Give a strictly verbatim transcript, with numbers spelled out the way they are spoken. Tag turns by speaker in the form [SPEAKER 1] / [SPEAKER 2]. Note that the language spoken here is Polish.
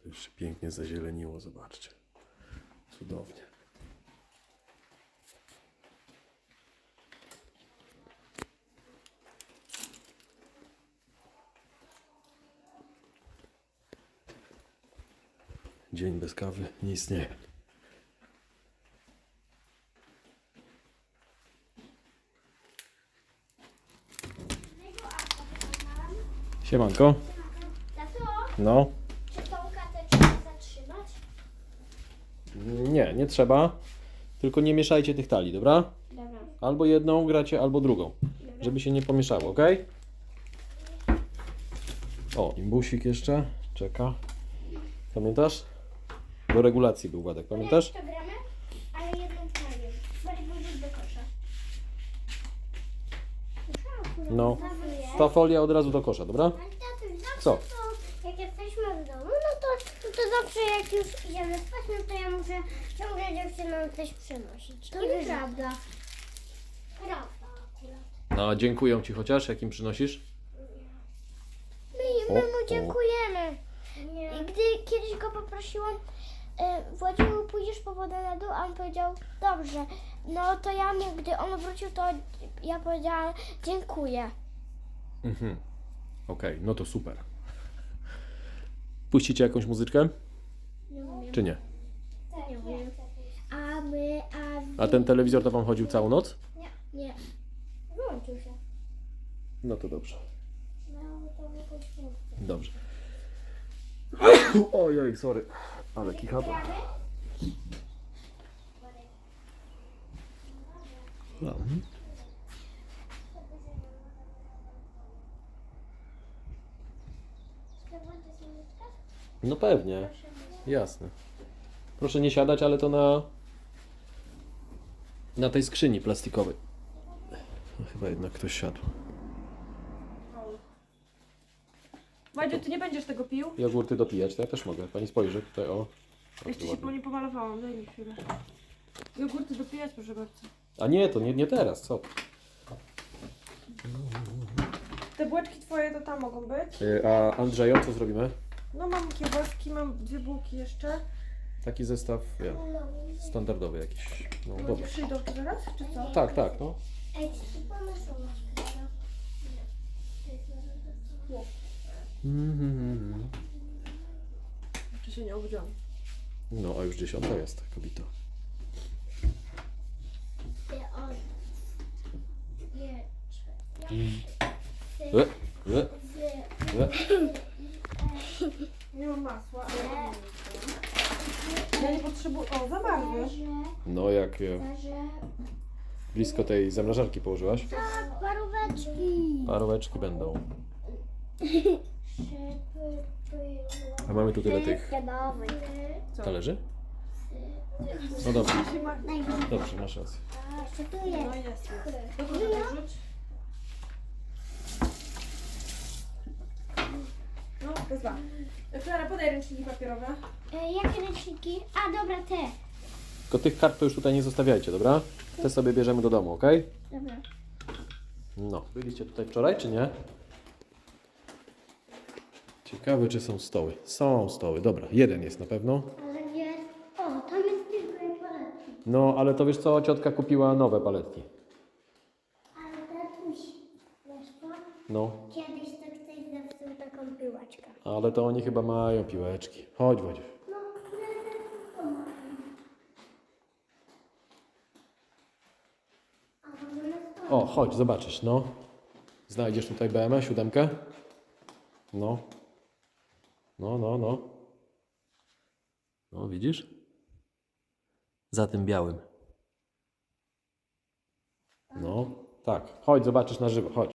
[SPEAKER 1] Już się pięknie zazieleniło, zobaczcie. Cudownie. Dzień bez kawy nie istnieje. Siemanko.
[SPEAKER 2] Tato,
[SPEAKER 1] No.
[SPEAKER 2] czy tą katę trzeba zatrzymać?
[SPEAKER 1] Nie, nie trzeba. Tylko nie mieszajcie tych talii, dobra?
[SPEAKER 2] Dobra.
[SPEAKER 1] Albo jedną gracie, albo drugą. Żeby się nie pomieszało, ok? O, imbusik jeszcze czeka. Pamiętasz? Do regulacji był Władek, pamiętasz?
[SPEAKER 2] To gramy, ale jedną talię. Bardziej włożyć do kosza.
[SPEAKER 1] No. Ta folia od razu do kosza, dobra?
[SPEAKER 2] Ale tatuś, zawsze
[SPEAKER 1] Co?
[SPEAKER 2] to, jak jesteśmy w domu, no to, no to zawsze jak już idziemy spać, no to ja muszę ciągle dziewczynom coś przynosić. To nieprawda. Prawda akurat.
[SPEAKER 1] No, dziękuję Ci chociaż, jakim przynosisz?
[SPEAKER 2] My,
[SPEAKER 1] O,
[SPEAKER 2] my mu
[SPEAKER 1] o.
[SPEAKER 2] dziękujemy. I gdy kiedyś go poprosiłam, e, Władziu, pójdziesz po wodę na dół, a on powiedział, dobrze. No to ja mu, gdy on wrócił, to ja powiedziałam, dziękuję.
[SPEAKER 1] Mhm. Okej, no to super. Puścicie jakąś muzyczkę?
[SPEAKER 2] Nie umiem.
[SPEAKER 1] Czy nie?
[SPEAKER 2] Nie umiem. A my, a wy...
[SPEAKER 1] A ten telewizor to Wam chodził całą noc?
[SPEAKER 2] Nie. Nie. Wyłączył się.
[SPEAKER 1] No to dobrze.
[SPEAKER 2] Miało to jakąś funkcję.
[SPEAKER 1] Dobrze. Ojej, sorry. Ale kichaba. No. No pewnie. Jasne. Proszę nie siadać, ale to na na tej skrzyni plastikowej. No, chyba jednak ktoś siadł.
[SPEAKER 3] Wadziu, ty nie będziesz tego pił?
[SPEAKER 1] Jogurty dopijać, to ja też mogę. Pani spojrzy tutaj, o.
[SPEAKER 3] Jeszcze się po nie pomalowałam, daj mi chwilę. Jogurty dopijać, proszę bardzo.
[SPEAKER 1] A nie, to nie, nie teraz, co?
[SPEAKER 3] Te bułeczki twoje to tam mogą być.
[SPEAKER 1] Yy, A Andrzejo, co zrobimy?
[SPEAKER 3] No mam kiełbaski, mam dwie bułki jeszcze.
[SPEAKER 1] Taki zestaw, ja, standardowy jakiś. No
[SPEAKER 3] No,
[SPEAKER 1] dobra.
[SPEAKER 3] przyjdą tu zaraz, czy co?
[SPEAKER 1] Tak, tak, no.
[SPEAKER 2] Ej, czy ty pomysł masz?
[SPEAKER 1] Mhm.
[SPEAKER 3] Czy się nie obudziłam?
[SPEAKER 1] No, a już dziesiąta jest, kobito.
[SPEAKER 2] Ty on. Nie.
[SPEAKER 1] E, e, e.
[SPEAKER 3] Nie mam masła, ale ja nie wiem. Ja nie potrzebuję... O, zamarzły.
[SPEAKER 1] No, jak e, blisko tej zamrażarki położyłaś?
[SPEAKER 2] Tak, paróweczki.
[SPEAKER 1] Paróweczki będą. A mamy tu tyle tych
[SPEAKER 3] Co?
[SPEAKER 1] talerzy? No dobrze,
[SPEAKER 3] Się ma...
[SPEAKER 1] dobrze, masz rację.
[SPEAKER 2] Co tu
[SPEAKER 3] No
[SPEAKER 2] jest?
[SPEAKER 3] jest, jest. Dokąd to wrzuć? No, wezwa. Klara, podaj ręczniki papierowe.
[SPEAKER 2] E, jakie ręczniki? A, dobra, te.
[SPEAKER 1] Tylko tych kart to już tutaj nie zostawiajcie, dobra? Te sobie bierzemy do domu, ok?
[SPEAKER 2] Dobra.
[SPEAKER 1] No, byliście tutaj wczoraj, czy nie? Ciekawe, czy są stoły. Są stoły, dobra, jeden jest na pewno.
[SPEAKER 2] Ale jest... O, tam jest tylko jak paletki.
[SPEAKER 1] No, ale to wiesz co, ciotka kupiła nowe paletki.
[SPEAKER 2] Ale tatuś, wiesz co?
[SPEAKER 1] No,
[SPEAKER 2] Kiedyś to ktoś zepsuł taką piłeczkę.
[SPEAKER 1] ale to oni chyba mają piłeczki. Chodź, Wodziu.
[SPEAKER 2] No, to ma. A możemy stąd.
[SPEAKER 1] O, chodź, zobaczysz, no. Znajdziesz tutaj B M W, siódemkę? No. No, no, no. No, widzisz? Za tym białym. No, tak. Chodź, zobaczysz na żywo, chodź.